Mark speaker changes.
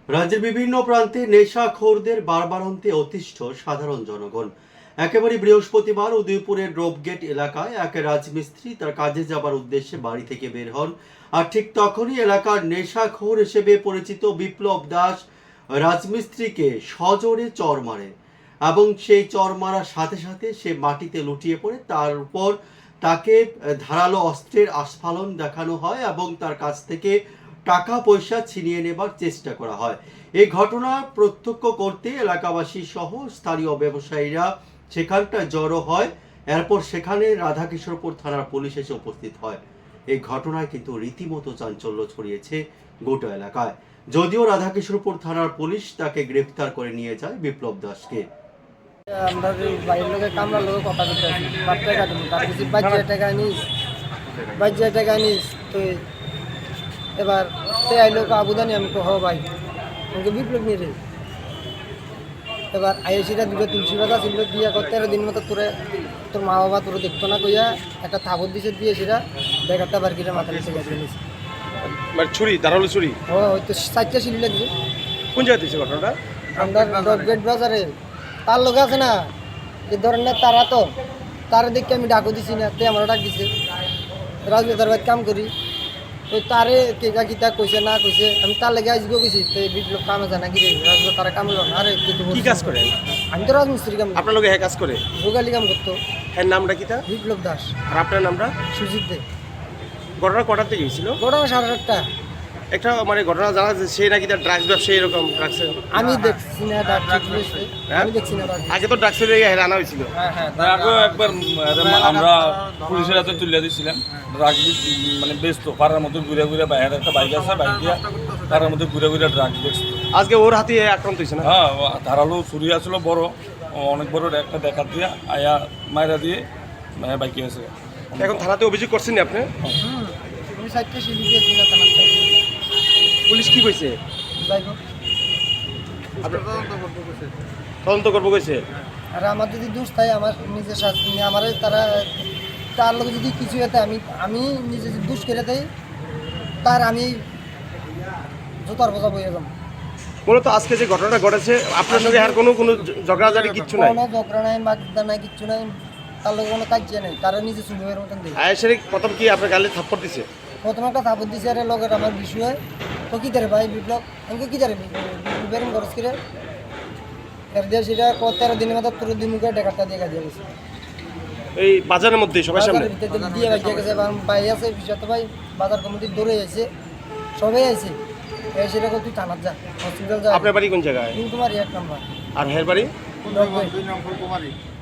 Speaker 1: রাজ্যের বিভিন্ন প্রান্তে নেশাখোরদের বারবারন্তে অতিষ্ঠ সাধারণ জনগণ। একেবারে বৃহস্পতিবার উদয়পুরের রোপগেট এলাকায় এক রাজমিস্ত্রি তার কাজে যাবার উদ্দেশ্যে বাড়ি থেকে বের হন। আর ঠিক তখনই এলাকার নেশাখোর হিসেবে পরিচিত বিপ্লব দাস রাজমিস্ত্রিকে সজোরে চড় মারে এবং সেই চড় মারার সাথে সাথে সে মাটিতে লুটিয়ে পড়ে। তার উপর তাকে ধারালো অস্ত্রের আস্ফালন দেখানো হয় এবং তার কাছ থেকে টাকা পয়সা ছিনিয়ে নেবার চেষ্টা করা হয়। এই ঘটনা প্রত্যক্ষ করতে এলাকাবাসী সহ স্থানীয় ব্যবসায়ীরা সেখানটায় জড়ো হয়। এরপর সেখানে রাধাকিশোরপুর থানার পুলিশ এসে উপস্থিত হয়। এই ঘটনায় কিন্তু রীতিমতো চাঞ্চল্য ছড়িয়েছে গোটা এলাকায়। যদিও রাধাকিশোরপুর থানার পুলিশ তাকে গ্রেফতার করে নিয়ে যায় বিপ্লব দাসকে।
Speaker 2: আমরা বাইরের লোকের কামলার লোকের কথা বলতে আছি, টাকা দেবো তার কিছু বাজ্যা টাকা নিস তো এবার সে আইলো আবুদানি আমি হ ভাই আমাকে বিপ্লব নিয়ে রে। এবার আইসিটা দুটো তুলসী পাতা ছিল দিয়া 13 দিন মতো তোর মা বাবা তোর দেখতো না কইয়া একটা থাবর দিছে দিয়ে সেটা ব্যাগারটা বার করে মাথা নিচে গেছে নিয়েছে।
Speaker 3: মানে ছুরি, ধারালো ছুরি?
Speaker 2: ও হয়তো 4টা সিলি লাগছে।
Speaker 3: কোন জায়গায় দিয়েছে ঘটনাটা?
Speaker 2: আমরা রকগেট বাজারে তার লোক আছে না এই ধরনের তারা তো তারা দেখে আমি ডাকও দিছি না, তে আমরা ডাক দিছে রাজনেতার বাড়ি কাম করি তো তারে কেকা কিতা কইছে না কইছে আমি তার লেগে আজকেও কইছি তো বিপ্লব কামে জানা কি রে রাজনেতা তারা কাম হলো না। আরে
Speaker 3: কি কাজ করে?
Speaker 2: আমি তো রাজমিস্ত্রি কাম।
Speaker 3: আপনার লোকে হ্যাঁ কাজ করে?
Speaker 2: ভোগালি কাম করতো।
Speaker 3: হ্যাঁ, নামটা কি তা?
Speaker 2: বিপ্লব দাস।
Speaker 3: আর আপনার নামটা?
Speaker 2: সুজিত দে।
Speaker 3: ঘটনা কটার থেকে গেছিল?
Speaker 2: ঘটনা 8:30টা।
Speaker 3: একটা মানে ঘটনা জানা যাচ্ছে সে নাকি তার ড্রাগস ব্যবসায়ী, এরকম ড্রাগসের।
Speaker 2: আমি দেখছি না ডাক্তার, আমি দেখছি না।
Speaker 3: আগে তো ড্রাগসের আনা হয়েছিল।
Speaker 4: আগেও একবার আমরা পুলিশের হাতে তুলে দিয়েছিলাম। ড্রাগ মানে বেচতো পাড়ার মধ্যে ঘুরে ঘুরে, বাইরে একটা বাইক আছে, বাইক দিয়ে পাড়ার মধ্যে ঘুরে ঘুরে ড্রাগ বেচতো।
Speaker 3: আজকে ওর হাতে আক্রান্ত হয়েছে না?
Speaker 4: হ্যাঁ, ধারালো ছুরি আসলো বড়, অনেক বড় একটা দেখা দিয়ে আয়া মায়েরা দিয়ে বাইকে আছে।
Speaker 3: এখন থানাতে অভিযোগ করছেন আপনি?
Speaker 2: আমি 4টা সিলি দিয়েছি না থানার থেকে।
Speaker 3: পুলিশ কি কইছে?
Speaker 2: যাই হোক
Speaker 3: তদন্ত করবো কইছে।
Speaker 2: আর আমার যদি দোষ থাকে আমার নিজের শাস্তি নিয়ে আমার তারা তার লোক যদি কিছু হতে আমি নিজে যদি দোষ করে দেয় তার আমি জোতার বোঝা বইয়ে যাবো।
Speaker 3: মূলত আজকে যে ঘটনাটা ঘটেছে আপনার সঙ্গে আর কোনো ঝগড়াঝাড়ি কিচ্ছু নাই?
Speaker 2: কোনো ঝগড়া নাই, মাগদা নাই, কিচ্ছু নাই, তার লোক কোনো কাজ নেই, তারা নিজে সুবিধার মতন দেয়।
Speaker 3: আয়েশের প্রথম কি আপনার গালে থাপ্পড় দিছে?
Speaker 2: প্রথমে একটা থাপড় দিছে আরে লোকের আমার বিষয় তো কী তারে ভাই বিপ্লব আমাকে কী তারে বিপ্লবের খরচ করে এর দিয়ে সেটা 13 দিনের মতো তোর দিমুখে ডেকারটা দিয়ে কাজে গেছে
Speaker 3: এই বাজারের মধ্যে সবার সামনে
Speaker 2: দিয়ে বাজিয়ে গেছে। এবং ভাই আছে বিষয় তো ভাই বাজার কমিটির দৌড়ে আছে, সবাই আছে। সেটা তুই থানার যা, হসপিটাল যা।
Speaker 3: আপনার বাড়ি কোন জায়গায়?
Speaker 2: তোমার 1 নম্বর।
Speaker 3: আর হের বাড়ি?
Speaker 2: 2 নম্বর কুমারী।